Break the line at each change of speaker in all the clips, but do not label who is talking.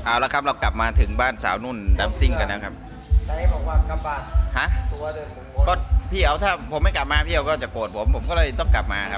เอาละครับเรากลับมาถึงบ้านสาวนุ่นดัมซิ่งกันนะครับ
ไหนบอกว่ากลับบ้าน
ฮะ
ตัวเดิน
ก็พี่เอาถ้าผมไม่กลับมาพี่เอาก็จะโกรธผมก็เลยต้องกลับมาครับ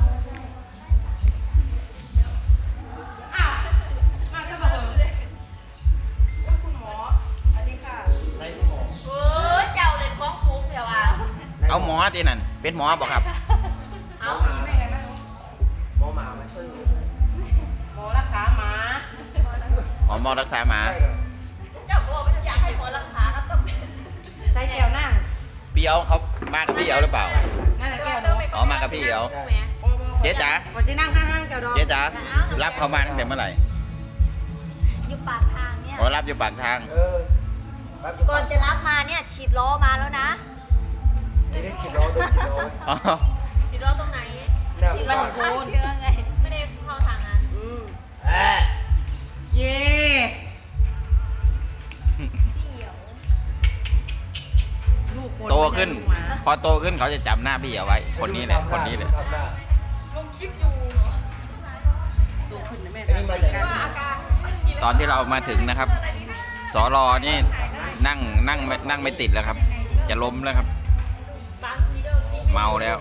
มาจะมาเลยคุณหมออันนี้ค่ะ
ในคุณหมอ
เจ้าเลยฟ้องสูงเดี๋ยว
เอาหมอที่นั่นเป็นหมอบอกครับ
เอาผีไม่ไงบ้าง
หมอหมาไม่
หมอรักษาหมา
หมอรักษาหมา
เจ้าบอกว่าอยากให้หมอรักษาครับต้อง
ใส่แก้วนั่ง
พี่เอาเขามากับพี่เอาหรือเปล่า
นั่นแหละแก้วเนาะ
อ๋อมากับพี่เอาเจ๊จ๋า
พอจะนั่งข้างๆแก้วดอก
เจ๊จ๋ารับเขามาตั้งแต่เมื่อไหร่
อยู่ปากทางเนี่ย
อ๋อรับอยู่ปากทาง
ก่อนจะรับมาเนี่ยฉีดล้อมาแล้วนะ
ไม่ได้ฉีดล้อด้วยฉีดล้อ
ฉีดล้อตรงไหน
ที่มันโคน
เชื่อไงไม่ได้เข้าทางนั้น
เย่
โตขึ้นพอโตขึ้นเขาจะจำหน้าพี่เอาไว้คนนี้เลยคนนี้เลย
ลงคลิปอยู่
โตขึ้นนะแม่
ตอนที่เรามาถึงนะครับสรนี่นั่งไม่ติดแล้วครับจะล้มแล้วครับเมาแล้ว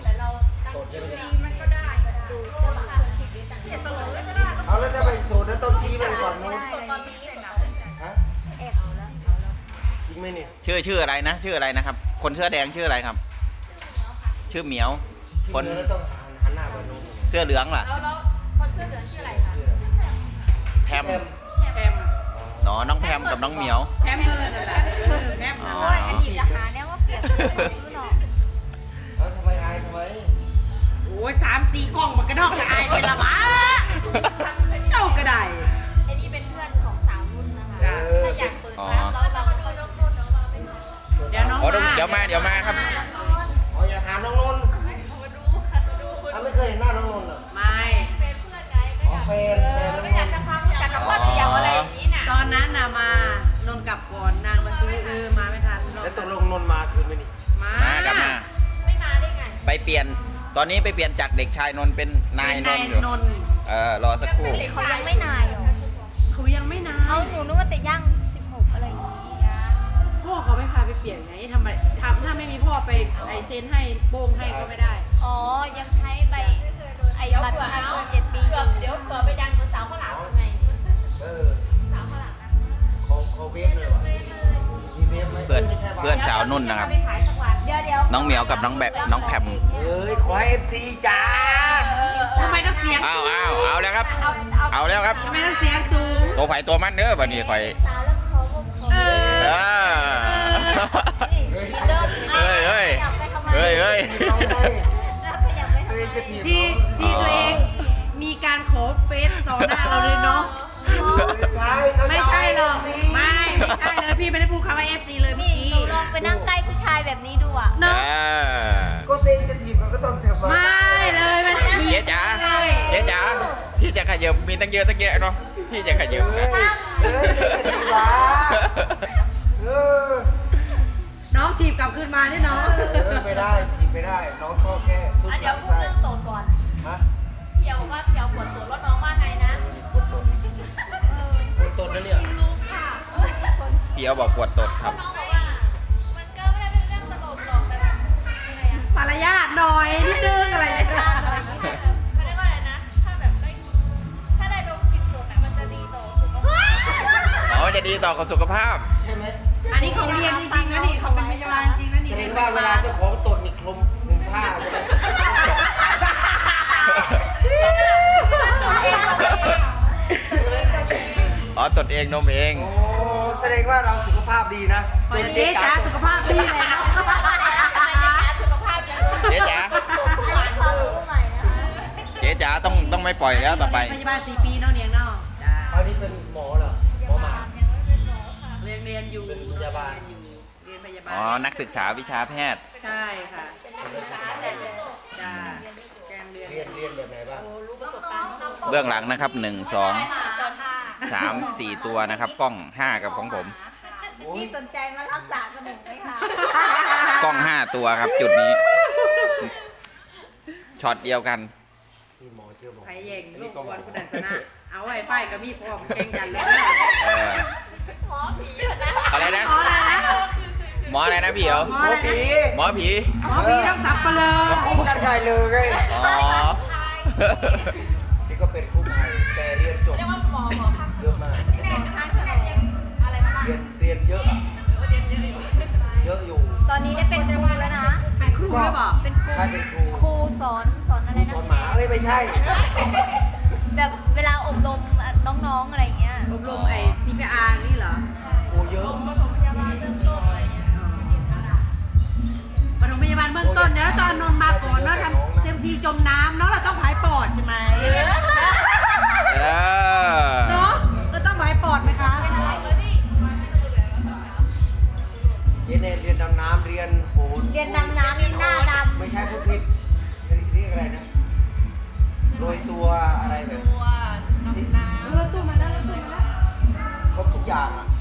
เอาแล้วจะไปสูตรแล้วต้องชี้ไปก่อนนู้นฮะจริงไหมนี่
ชื่ออะไรนะชื่ออะไรนะครับคนเสื้อแดงชื่ออะไรครับชื่อเหมียวคน
ต้องหันหน้าไปนู้น
เสื้อเหลืองล่ะ
แล้วคนเสื้อเหลืองชื่ออะไรคะ
แพมน้องแพมกับน้องเหมียว
แพมเพิร์ดนั่นแหละแพม
โอ้ยอดีตทหารเนี่ยว่าเปลี่ยนชื่อหรอ
แล้วทำไมอายทำไม
โอ้ย3-4 กล้องมันกระดอกกระอายเป็นละวะเจ้ากระได
ไอ้นี่เป็นเพื่อนของสาวนุ่นนะคะถ้าอยากเปิดร้านเรามาดูน้องนุ่นน้องเราเป็น
เดี๋ยวน้อง
เดี๋ยวมาครับ
อ๋ออย่าหาน้องนนท์
มาดูค่ะดู
ไม่เคยเห็นหน้าน้องนนท์เหรอ
ไม่
เป็นเพื่อนไง
อ๋อแฟน
ไม่อยากจะฟังอยากจะว่าเสียวอะไรอย่างนี้น่ะ
ตอนนั้นน่ะมานนกลับก่อนนางมาซื้อมาไม่ทัน
แล้วตกลงนนท์มาคือไม่นี่
มากลับมา
ไม่มาได้ไง
ไปเปลี่ยนตอนนี้ไปเปลี่ยนจากเด็กชายนนท์เป็นนายนนท์อยู่รอสักครู่
เขายังไม่นายหรอ
เขายังไม่นาย
เอาหนูนึกว่าแต่ย่าง16อะไรอย่างนี้
พ่อเขาไม่พาไปเปลี่ยนไงทำไมถ้าไม่มีพ่อไปเซ็นให้โป้งให้ก็ไม่ได้
อ๋อยังใช้ใบไอ้บัตรประชาชน7 ปีเดี๋ยวเผื่อไปดันกับสาวข้าวหลามยังไงสาวข้าวหลาม
เขาเวฟเลยวะมีเวฟไหม
เพื่อนสาวนุ่นนะครับน้องเหมียวกับน้องแพม
ขอให้ FC จ้า
ทำไมต้องเสียง
เอาแล้วครับเอาแล้วครับ
ทำไมต้องเสียงสูง
ตัวไผ่ตัวมันเด้อวันนี้ไผ่เฮ้ย
ที่ตัวเองมีการขอเฟซต่อหน้าเราเลยเนาะไม่ใช่หรอกไม่ใช่เลยพี่ไม่ได้พูดคำว่า FC เลยเมื่อกี้
ลองไปนั่งใกล้ผู้ชายแบบนี้ดูอ่ะ
เนาะ
ก็เต้นจะถีบก็ต้องเถอะ
ไม่เลยมัน
เจ๊จ๋าพี่จะขยับมีตั้งเยอะเนาะพี่จะขยับ
น้องถีบกลับขึ้นมาเนี่ยน้อง
ไม่ได้ถีบไม่ได้น้องก็แค่
สุดเดี๋ยวพูดเรื่องโตก่อนเดี๋ยวว่าเดี๋ยวปวดตัวรถน้องว่าไงนะ
ปวดตดนะเนี่ย
รู้ค่ะ
พี่เอาบอกปวดตดครับ
น้องบอกว่ามันก็ไม่ได้เป็นเรื่องตลกหรอกแต่ยังไงอะ
มารยาทหน่อยนิดนึงอะไร
ไม่ได้ว่าอะไรนะถ้าแบบถ้าได้ดมกลิ่นตัวมันจะดีต่อสุขภาพ
จะดีต่อสุขภาพ
ใช่ไหม
อันนี้เขาเรียนจริงๆนะนี่เขาเป็นพยาบาลจริงนะนี่
แสดงว่าเวลาเจ้าของตดนี่คลุมผ้าใช่ไหม
ตดเองนมเอง
โอ้แสดงว่าเราสุขภาพดีนะ
เจ๊จ๋าสุขภาพดีเลยเนาะ
เจ๊จ๋าเจ๊จ๋าต้องไม่ปล่อยแล้วต่อไป
พยาบาล4 ปีเนาะเนียงเนาะ
อันนี้เป็นหมอเหรอหมอหมา
เรียนอยู่
เป็นพยาบาล
เรียนพยาบาล
นักศึกษาวิชาแพทย์
ใช่ค่ะจ้า
เรียนแบบไหนบ้าง
เบื้องหลังนะครับ1 2 3 4ตัวนะครับกล้อง5กับของผม
พี่สนใจมารักษาสมุนไหมคะ
กล้อง5ตัวครับจุดนี้ช็อตเดียวกัน
นี่หมอเชื่อหมอ
ใครเย่งลูกบอลคุณดันชนะ เอาไว้ไฟกับมีพร้อมแข่งกันเลย
เออ
หมอผีอะนะ
อะไรนะ
หมออะไรนะ
หมออะไรนะพี่เอ๋
หม
ห
อ
มอ
อะไร
ผี
นะ
หมอผี
หมอพี่ต้องสับไปเลย
คู่กันใหญ่เลยไง
อ๋อ
นี่ก็เป็นคู่ภัยแต่เรียนจบ
เรียกว่าหมอข้าง
เยอะมาก
ที่แน่นะคะที่แน่ยังอะไรมาบ้าง
เรียนเยอะอะเยอะอยู่
ตอนนี้ได้เป็นครูแล้วนะ
เป็นครูหรือเปล่า
เป็นครู
ใช่เป็นครู
ครูสอนอะไร
ส
นะ
อนหมาเอ้ยไม่ใช่
แบบเวลาอบรมน้องๆอะไรอย่างเงี้ย
อบรมไอ้ CPR นี่เหรอ
ครูเยอะ
ปฐมพยาบาลเบื้องต้นอะไรเงี้ย
ปฐมพยาบาลเบื้องต้นเดี๋ยวเราตอนนนท์มาก่อนเนาะทำเต็มที่จมน้ำเนาะเราต้องผายปอดใช่ไหม
เออ
เนาะเราต้องผายปอดไหมคะ
เรียนดำน้ำเรียนโหน
เรียนดำน้ำนี่หน้าดำ
ไม่ใช่พูดผิดเรียกอะไรนะโรยตัวอะไรแบบ
รถตู้มาแล้วรถตู้มาแล้ว
ครบทุกอย่างอ่ะ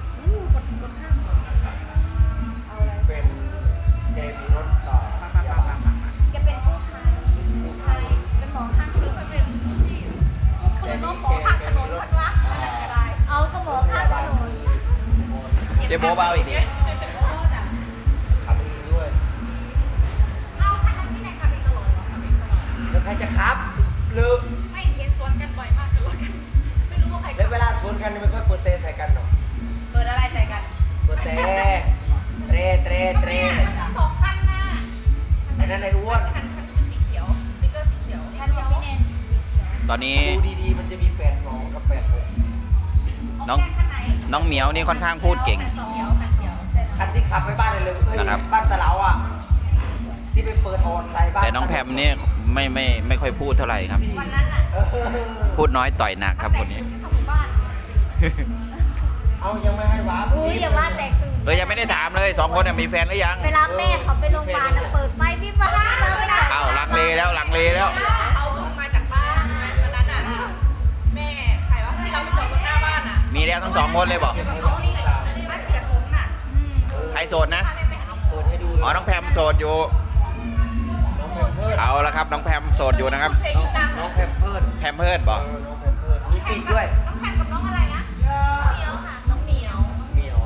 เป็นเกมรถต่อพยาบาล
แกเป็นกู้ภัยเป็นหมอข้างถนนเป็นผู้ชีพคือน้องหมอข้างถนนพันวะเอาก็หมอข้างถนน
เจ๊โบ๊ะเบาอีกดิ
ขับเองด้วย
เอาคันนั้นที่ไหนขับเองตลอดเหรอขับเองตลอด
แล้วใครจะขับลึก
ไม่เห็นสวนกันบ่อยมากเลยกันไม่รู้ว่าใคร
แล้วเวลาสวนกันไม่ค่อยเปิดเตะใส่กันหรอก
เปิดอะไรใส่กัน
เปิดเตะเตะ
สองคันนะ
ไอ้นั่นไอ้อ้วน
คันสีเขียวสติ๊กเกอร์สีเขียวคันของพี่แนน
ตอนนี้
ดูดีๆมันจะมี82กับ86
น้องน้องเหมียวนี่ค่อนข้างพูดเก่ง
คันเขียวคันเขียว
คันที่ขับไปบ้านเลยเอ้ย
นะครับ
บ้านตะเหลาอ่ะที่ไปเปิดออนใส่บ้าน
แต่น้องแพมเนี่ยไม่ค่อยพูดเท่าไหร่ครับ
วันนั้นน่ะ
เออ
พูดน้อยต่อยหนักครับคนนี้
เข้าหมู่บ้าน
เอายังไม่ให้หวา
อุ้ยอย่าว่าแตกตื่น
ยังไม่ได้ถามเลยสองคนน่ะมีแฟนหรือยัง
เวลาแม่เขาไปโรงพยาบาลน่ะเปิดไฟวิบวับเลยนะ
อ้าวลังเลแล้วลังเลแล้ว
เขาเพิ่งมาจากบ้านวันนั้นอ่ะแม่ใครวะที่เราไปจอดรถหน้าบ้านอ่ะ
มีแล้วทั้งสองคนเลยบอก
เขานี่บ้านเสียผมน่ะ
ใครโสดนะ
เปิดให้ดู
อ๋อน้องแพมโสดอยู่
น้องแพมเพิร์ด
เอาละครับน้องแพมโสดอยู่นะครับ
น้องแพมเพิร์ด
แพมเพิร์ดบอก
น้องแพมเพิร์ดมีปีกด้วย
น้องแพมกับน้องอะไรนะเหมียวค่ะน้องเหมียว
เหมียว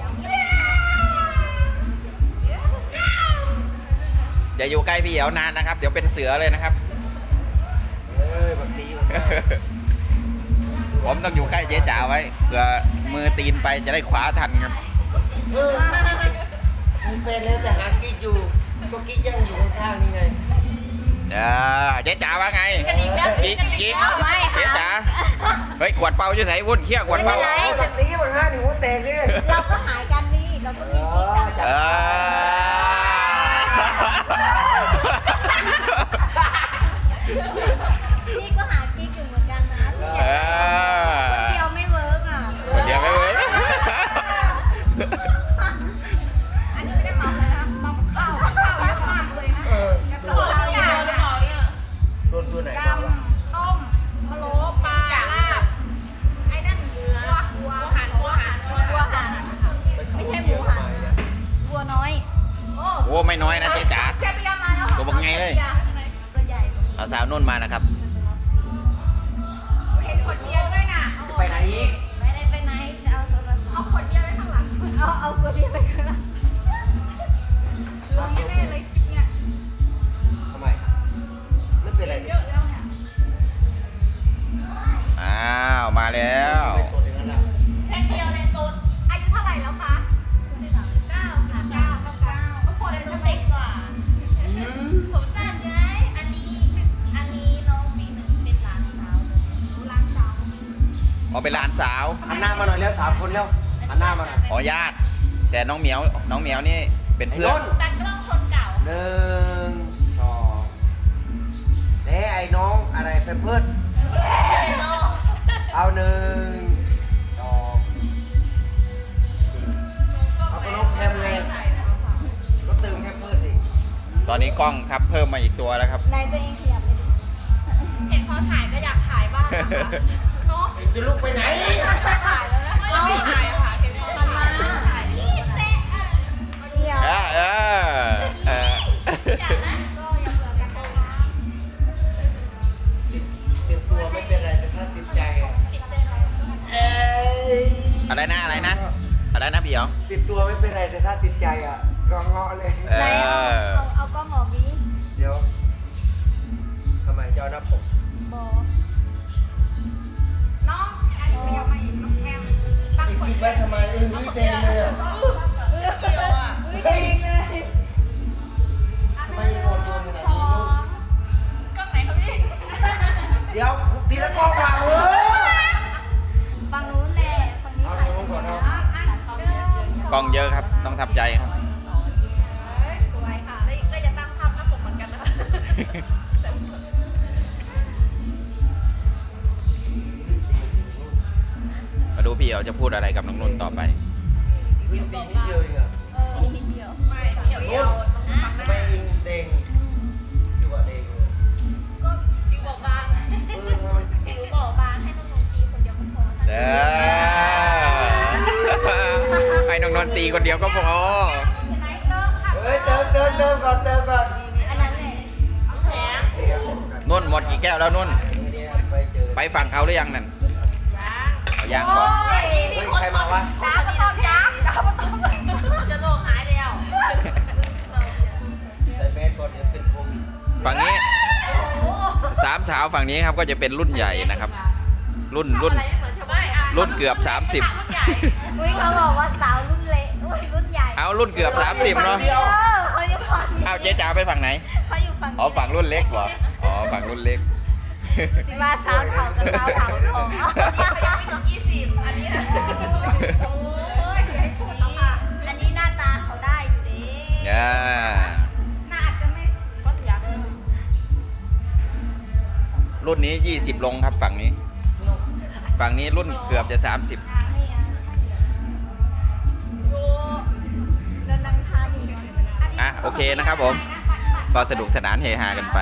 อย่าอยู่ใกล้พี่เอ๋วนานนะครับ เดี๋ยวเป็นเสือเลยนะครับ
เอ้ยแบบนี้มันได้
ผมต้องอยู่ใกล้เจ๊จ๋าไว้เผื่อมือตีนไปจะได้ขวาทันครับ
เออมีแฟนแล้วแต่หากิ๊กอยู่ก็กิ๊กยังอยู่ข้างๆนี่ไง
เจ๊จ๋าว่าไง
กันอีกแล้ว
กิ๊กกิ๊ก
ไม่
เจ๊
ค่ะ
จ๋าเฮ้ยขวดเปาจะใส่วุ่นเขี้ยขวดเปา
ไม่เป็นไร
เอาแบบนี้มันห้าหนึ่งหัวแตกนี่
เราก็หายกันนี่เราก็มีกิ๊กกัน
เออ
พี่ก็หากิ๊กอยู่เหมือนกันนะพี่
เออ
เดียวไม่เวิร์กอ่ะ
เดี๋ยวไม่เว้ย
อันนี้ไม่ได้เมาเลยนะเมาข้าวเยอะมากเลยนะ
เออ
กับข้าวอย่าง
หรือเปล่าเนี่ย
โดนตัวไหน
ย
บ้างวะ
ำต้มพะโล้ปลาลาบไอ้นั่นเนื้อวัวหันไม่ใช่หมูหันวัวน้อย
โอ้ไม่น้อยนะเจ๊จ๋า
เชฟเบียร์มาแล้ว
ตัวบักไงเลย
ตัวใหญ่
เอาสาวนุ่นมานะครับ
เห็นขวดเบียร์ด้วยน่ะ
จะไปไหนอีก
ไม่ได้ไปไหนจะเอาโทรศัพท์เอาขวดเบียร์ไว้ข้างหลังเอาขวดเบียร์ไปข้างหลังลงแน่ๆเลยคลิปเนี้ย
ทำไมไม่เป็นไร
เย
เนี่ย
อะแล้วเนี่ย
อ้าวมาแล้ว
ไม่ตัวอย่างนั้นอ่ะ
แค่เดียวในโซนอายุเท่าไหร่แล้วคะ9ค่ะ9เท่ากันก็คนเป็นเด็กกว่าผมสั้นไงอันนี้น้องปีหนึ่งเป็นหลานสาวหลานสาว
อ๋อเป็นหลานสาว
หันหน้ามาหน่อยแล้ว3 คนแล้วหันหน้ามาหน่อย
อ๋อญาติ แต่น้องเหมียวนี่เป็นเพื่อน
ไอ้นุ่น
ตัดกล้องคนเก่า
1 2ไอ้น้องอะไรแพมเพิร์ดเอา1 2เอาไปน้องแพมไงก็เติมแพมเพิร์ดสิ
ตอนนี้กล้องครับเพิ่มมาอีกตัวแล้วครับ
นายตัวเองขยับไปดิ
เห็นเขาถ่ายก็อยากถ่ายบ้างนะคะเนาะ
จะลุกไปไหน
ถ่ายแล้วนะไม่ได้ถ่ายอะค่ะเห็นเขา
มันมา
ถ่าย
เดี๋ยว
เออ
ก็ยังเหลือกันนะคะ
อะไรนะอะไรนะอะไรนะพี่หยอง
ติดตัวไม่เป็นไรแต่ถ้าติดใจอ่ะก็เงาะเลย
เอ
ไหน
อ
เอากล้องออกนี้
เดี๋ยวทำไมเจ้าหน้าปก
บอกน้องอันนี้ไม่ยอมมาอีกน้องแอมตั้ง
อีก
คน
กินไว้ทำไมนี่เต็มเลยอ่ะ
เดียวอ่ะ
เฮ้ยทำไมโอนโยนขนาดนี้ลูก
กล้องไหนครับพี่
เดี๋ยวทีละกล้องว่ะเออ
ฝั่งนู้นแหละฝั่งนี้
เอา
ถ่าย
ลงก่อนเอา
กล้องเยอะครับต้องทำใจครับ
สวยค่ะแล้วก็อย่าตั้งภาพหน้าปกเหมือนกันนะคะ
มาดูพี่เอาจะพูดอะไรกับน้องนุ่นต่อไป
วิ่งตีนิดเดียวเองอ่ะ
นิดเดียว
ไม่เดี๋ยว
ทำไมเองเด้งอยู่กับเด้งเลย
ก็ดิวบอกบาง
เออทำไม
ผิวบอกบางให้น้องๆตีคนเดียวก็พอ
เด้อให้น้องนนท์ตีคนเดียวก็พอ
เฮ้ยเติมก่อนเติมก่อน
อันนั้นแหละ
แถม
เดี๋ยว
นุ่นหมดกี่แก้วแล้วนุ่น
เนี่ยไปเจอ
ไปฝั่งเขาหรือยังนั่นเอายังบอก
เฮ้ยใครมาวะ
ดาวมาตอบย้ำดาวมาตอบจะโลกหายแล้ว
ใส่แมสก่อนเดี๋ยวเป็นโควิด
ฝั่งนี้สามสาวฝั่งนี้ครับก็จะเป็นรุ่นใหญ่นะครับ รุ่น
อะไรไม่เหมือนชาวบ้านอ่ะ
รุ่นเกือบ
รุ่นใหญ่
อุ้ยเขาบอกว่าสาวรุ่นเล็กอุ้ยรุ่นใหญ่
30เอารุ่นเกือบ 30เนาะ
เขาอยู่ฝั่งนี้
เอาเจ๊จ๋าไปฝั่งไหน
เขาอยู่ฝั่งนี้
อ๋อฝั่งรุ่นเล็กเหรออ๋อฝั่งรุ่นเล็ก
สิว่าสาวเถ่ากับสาวเถ่าทอง
ยังไม่ถึง20 อันนี้นะโอ้ยอย่าให้พูดแล้วค่ะ
อันนี้หน้าตาเขาได้อยู่ดิ
อ่า
หน้าอาจจะไม่
ก็อยาก
รุ่นนี้20ลงครับฝั่งนี้ ฝั่งนี้รุ่นเกือบจะ30
นี่ดูเดินนังทานอยู่
อ่ะโอเคนะครับผมก็สนุกสนานเฮฮากันไป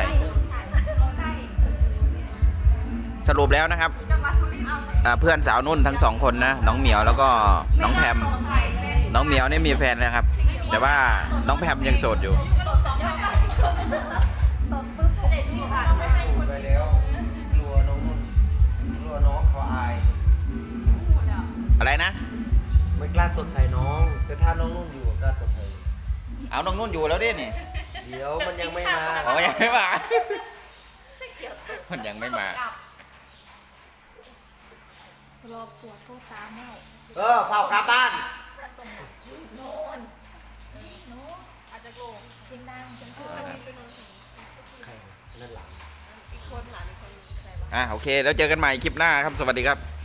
สรุปแล้วนะครับเพื่อนสาวนุ่นทั้งสองคนนะน้องเหมียวแล้วก็น้องแพมน้องเหมียวนี่มีแฟนนะครับ แต่ว่าน้องแพมยังโสดอยู่
ตบปุ๊บเด็กที่ผ่านไปให้
พูดไปแล้วกลัวน้องนุ่นกลัวน้องเขาอาย
อะไรนะ
ไม่กล้าตดใส่น้อง แต่ถ้าน้องนุ่นอยู่กล้าตดใส่
เอาน้องนุ่นอยู่แล้วดินี่
เดี๋ยวมันยังไม่มา
อ๋อยังไม่มามันยังไม่มา
รอปวดโทษตามแม่
เฝ้ากลับบ้าน
อาจจะโกง
เสียงดังเป็นผู้
ใครนั่นหลัง
อีกคนหลานอีกคนใครวะ
โอเคแล้วเจอกันใหม่คลิปหน้าครับสวัสดีครับ